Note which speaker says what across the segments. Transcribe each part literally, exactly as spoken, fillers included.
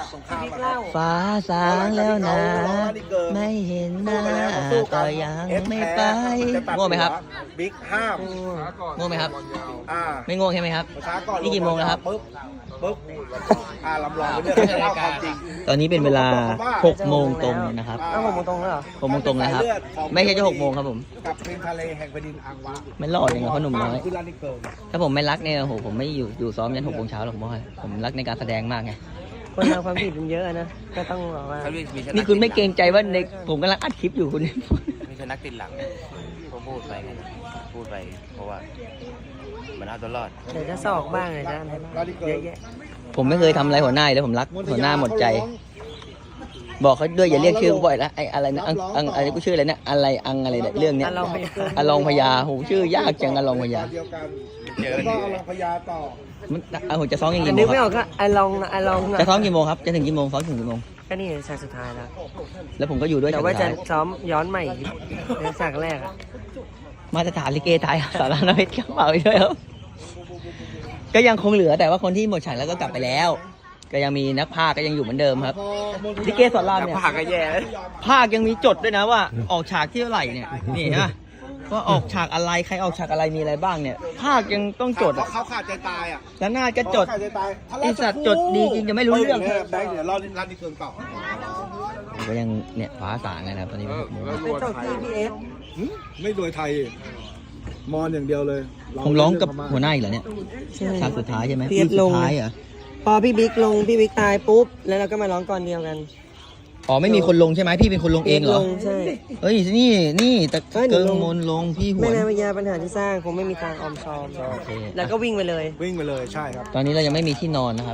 Speaker 1: สงคราม
Speaker 2: ฟ้าสางแล้วนะไม่เห็นหน้าก็ยังไม่ไปง่วงไหมครับ
Speaker 1: บิ๊กห้าม
Speaker 2: ง่วงไหมครับ
Speaker 1: อ่า
Speaker 2: ไม่ง่วงใช่ไหมครับ
Speaker 1: ช้าก่อน
Speaker 2: นี่กี่โมงแล้วครับ
Speaker 1: ปึ๊บปึ๊บอ่าลำลองไปเรื่อยเล่าความจริง
Speaker 2: ตอนนี้เป็นเวลาหกโมงตรงนะครับ
Speaker 1: อ้าวหกโมงตรงแล้วเหรอ
Speaker 2: หกโมงตรงแล้วครับ ไม่ใช่จะหกโมงครับผม
Speaker 1: กับเพลงทะเลแห่งแผ่นดินอังวะ
Speaker 2: ไม่รอดยังไงเพราะหนุ่มน้อย
Speaker 1: คือลานิเกิล
Speaker 2: ถ้าผมไม่รักเนี่ยโอ้โหผมไม่อยู่อยู่ซ้อมยันหกโมงเช้าหรอกผมว่าผมรักในการแสดงมากไง
Speaker 3: คนเราความผิดมันเยอะนะก็ต้องบอกว่า
Speaker 2: นี่คุณไม่เกรงใจว่าในผมกำลังอัดคลิปอยู่คุณ
Speaker 4: ไม่ใช่นักติดหลังผมพูดไปไงพูดไปเพราะว่ามันเอาตัวรอด
Speaker 3: เดี๋ยวจะสอกบ้างเลยจะอะไรบ้างเยอะแยะ
Speaker 2: ผมไม่เคยทำอะไรหัวหน้าเลยผมรักหัวหน้าหมดใจ บอกเขาด้วยอย่าเรียกชื่อกูบ่อยละไอ้อะไรนะอังอังอะไรกูชื่ออะไรเนี่ยอะไรอังอะไรเนี่ยเรื่องเนี้ย
Speaker 3: อ่ะลองไป
Speaker 2: อลองพญาโหชื่อยากจังอลองพญา
Speaker 1: เดียวกันแล้วก็เอาลองพญาต่อ
Speaker 2: มันเอาผมจะซ้อมยัง
Speaker 3: อั
Speaker 2: กี่
Speaker 3: น
Speaker 2: โม
Speaker 3: นึ
Speaker 2: ง
Speaker 3: กไม่
Speaker 2: ค
Speaker 3: อ
Speaker 2: รั
Speaker 3: อบ กก็ไอลองนะไอลองนะ
Speaker 2: จะซ้อมกี่โมงครับจะถึงกี่โมงซ้อมถึงกี่โมง
Speaker 3: ก็นี่ฉากสุดท้ายแล้ว
Speaker 2: แล้วผมก็อยู่ด้วย
Speaker 3: แต่
Speaker 2: ฉาก
Speaker 3: ว่า
Speaker 2: สุด
Speaker 3: จะ
Speaker 2: ท้าย
Speaker 3: ซ้อมย้อนใหม่ในฉากแรกอะ
Speaker 2: มาตรฐานลิเกไทยสารนเพชรกระเป๋าอีกด้วยครับก็ยังคงเหลือแต่ว่าคนที่หมดฉากแล้วก็กลับไปแล้ว ก็ยังมีนักพากย์ก็ยังอยู่เหมือนเดิมครับลิเกสอนรามเนี่ย
Speaker 4: ผักก็แย่
Speaker 2: ภาคยังมีจดด้วยนะว่าออกฉากที่เท่าไหร่เนี่ยนี่ฮะว่าออกฉากอะไรใครออกฉากอะไรมีอะไรบ้างเนี่ยภาคยังต้องจดอ่ะ
Speaker 1: เขาขาดใจตายอ่ะ
Speaker 2: แล้วหน้าก็จด
Speaker 1: ขาดใจตาย
Speaker 2: ไอสัตว์จดดีจริงจะไม่รู้เรื่อง
Speaker 1: แบงค์เดี๋ยวรอลานิเกิลต่อ
Speaker 2: ผมก็ยังเนี่ยฟ้าสางนะครับตอนนี้หกโมง
Speaker 3: เป็นจบที่พีเอฟ
Speaker 1: ไม่โดยไทย มอนอย่างเดียวเลย
Speaker 2: ผมร้องกับหัวหน้าอีกเหรอเนี่ยฉากสุดท้ายใช่ไหม
Speaker 3: พีเอฟ
Speaker 2: สุ
Speaker 3: ล
Speaker 2: ด
Speaker 3: ง
Speaker 2: ท้ายเหรอ
Speaker 3: พอพี่บิ๊กลงพี่บิ๊กตายปุ๊บแล้วเราก็มาร้องก่อนเดียวกัน
Speaker 2: อ๋อไม่มีคนลงใช่ไหมพี่เป็นคนลงเองเหรอ
Speaker 3: ลงใช่
Speaker 2: เฮ้ยนี่นี่ตะ
Speaker 3: เฮ้ยหนู
Speaker 2: เกิง
Speaker 3: ลง
Speaker 2: มนลงพี่หว
Speaker 3: ไม่
Speaker 2: น
Speaker 3: นานพยาปัญหาที่สร้างคงไม่มีทางออมซอม
Speaker 2: โอเค
Speaker 3: แล้วก็วิ่งไปเลย
Speaker 1: วิ่งไปเลยใช่ครับ
Speaker 2: ตอนนี้เรายังไม่มีที่นอนนะครับ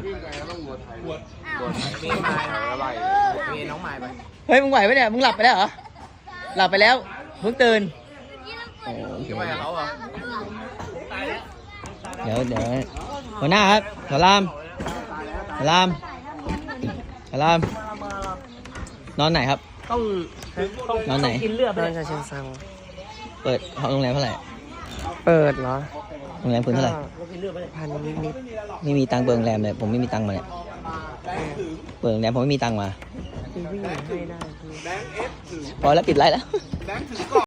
Speaker 4: มีน้องไม้ไป
Speaker 2: เฮ้ยมึงไหวไหมเนี่ยมึงหลับไปแล้วเหรอหลับไปแล้วเพิ่งตื่นโอ้โอเค
Speaker 4: ไปกับเขาเหรอ
Speaker 2: เดี๋ยวเดี๋ยวหัวหน้าครับสลามสลามสลามนอนไหนครับ
Speaker 3: ต้อง
Speaker 2: นอนไหน
Speaker 3: กินเลือดไปชาเชิงเซา
Speaker 2: เปิดห้องโรงแรมเท่าไหร่
Speaker 3: เปิดเหรอ
Speaker 2: โรงแรมคุณเท่าไหร่
Speaker 3: พันนิดนิด
Speaker 2: ไม่มีตังค์เปิดโรงแรมเลยผมไม่มีตังค์มาเนี่ยเปิดโรงแรมผมไม่มีตังค์มา
Speaker 3: ๆคือวิ่งให้ได้คือ
Speaker 2: พอแล้วปิดไลน์แล้ว